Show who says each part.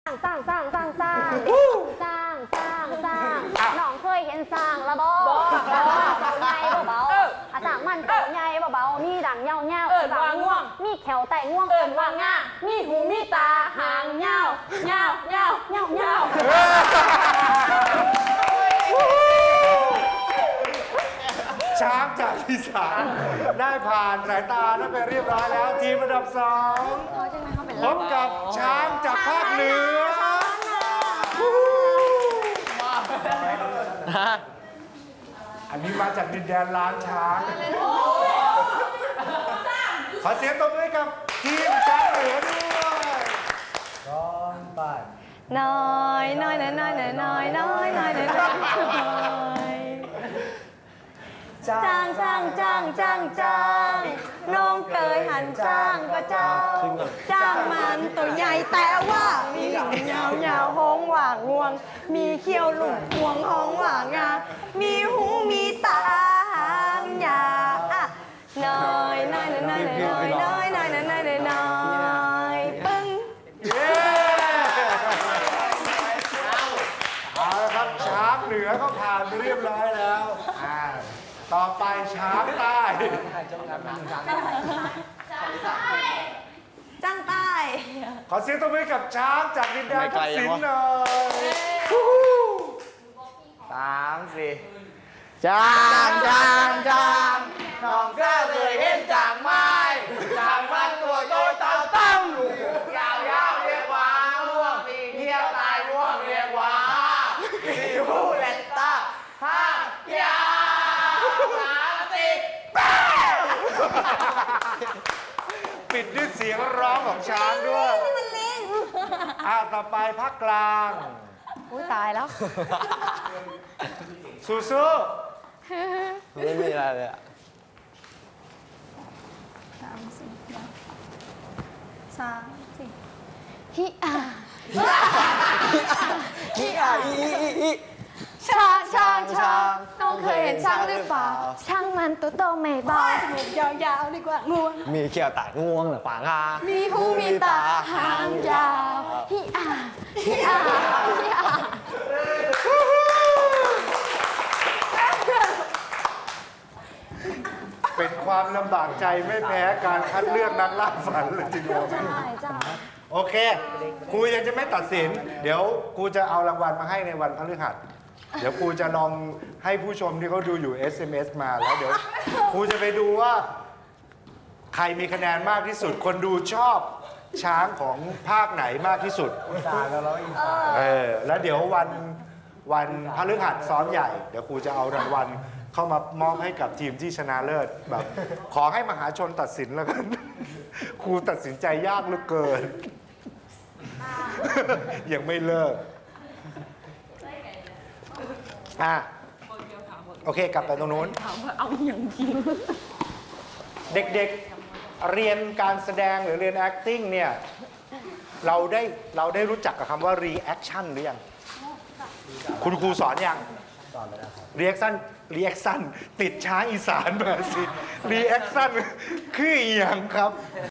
Speaker 1: สร้างน้องเคยเห็นสร้างระบอใหญ่เบาสร้างมันตัวใหญ่เบามีดังเงาบางง่วงมีแขวไตง่วงว่างง่ามีหูมีตาหางเงา
Speaker 2: ช้างจากอีสานได้ผ่านสายตาได้ไปเรียบร้อยแล้วทีมอันดับ2พบกับช้างจากภาคเหนืออันนี้มาจากดินแดนล้านช้างขอเสียงตบมือกับทีมช้างเหนือด้วยร้องไป
Speaker 1: น้อยจ้างน้องเคยหันจ้างก็จ้างมันตัวใหญ่แต่ว่ามีหลังยาวห้องว่างงวงมีเขี้ยวหลุดห่วงห้องว่างงามีหูมีตาหางยาวน้อยปึ้ง
Speaker 2: เอาละครับช้างเหนือก็ผ่านไปเรียบร้อยแล้วต่อไปช้างใต้
Speaker 1: จ้างใต้
Speaker 2: ขอเสียงตบมือกับช้างจากดินแดนทักษิณหน่อย
Speaker 3: 3 4จ้างน้องก็เคยเห็นจ้างไม้จ้างมันตัวโตเต่าตั้มยาวเรียกว่าง่วงปีเที่ยวตายง่วงเรียกว่ามีหูเล็ดตาห้ายาว
Speaker 2: ปิดด้วยเสียงร้องของช้างด้วยต่อไปภาคกลาง
Speaker 1: ตายแล้ว
Speaker 2: สู้
Speaker 3: ไม่มีอะไรเลย
Speaker 1: ฮิอาช้างน้องเคยเห็นช้างหรือเปล่าช้างมันตัวโตไม่เบาจมูกยาวดีกว่าง่วง
Speaker 3: มีเขี้ยวตาง่วงหรือปางา
Speaker 1: มีหูมีตาหางยาวฮิอา
Speaker 2: เป็นความลำบากใจไม่แพ้การคัดเลือกนักล่าฝันเลยทีเดียวโอเคครูยังจะไม่ตัดสินเดี๋ยวครูจะเอารางวัลมาให้ในวันพฤหัสเดี๋ยวครูจะลองให้ผู้ชมที่เขาดูอยู่ SMS มาแล้วเดี๋ยวครูจะไปดูว่าใครมีคะแนนมากที่สุดคนดูชอบช้างของภาคไหนมากที่สุดแล้วเดี๋ยววันพฤหัสซ้อมใหญ่เดี๋ยวครูจะเอารางวัลเข้ามามอบให้กับทีมที่ชนะเลิศแบบขอให้มหาชนตัดสินแล้วกันครูตัดสินใจยากเหลือเกินยังไม่เลิกโอเคกลับไปตรงนู้นเอาอย่างจริงเด็กๆเรียนการแสดงหรือเรียน acting เนี่ยเราได้รู้จักกับคำว่า reaction หรือยังคุณครูสอนยังสอนแล้วครับ reaction ติดช้างอีสานมาสิ reaction คืออย่างครับ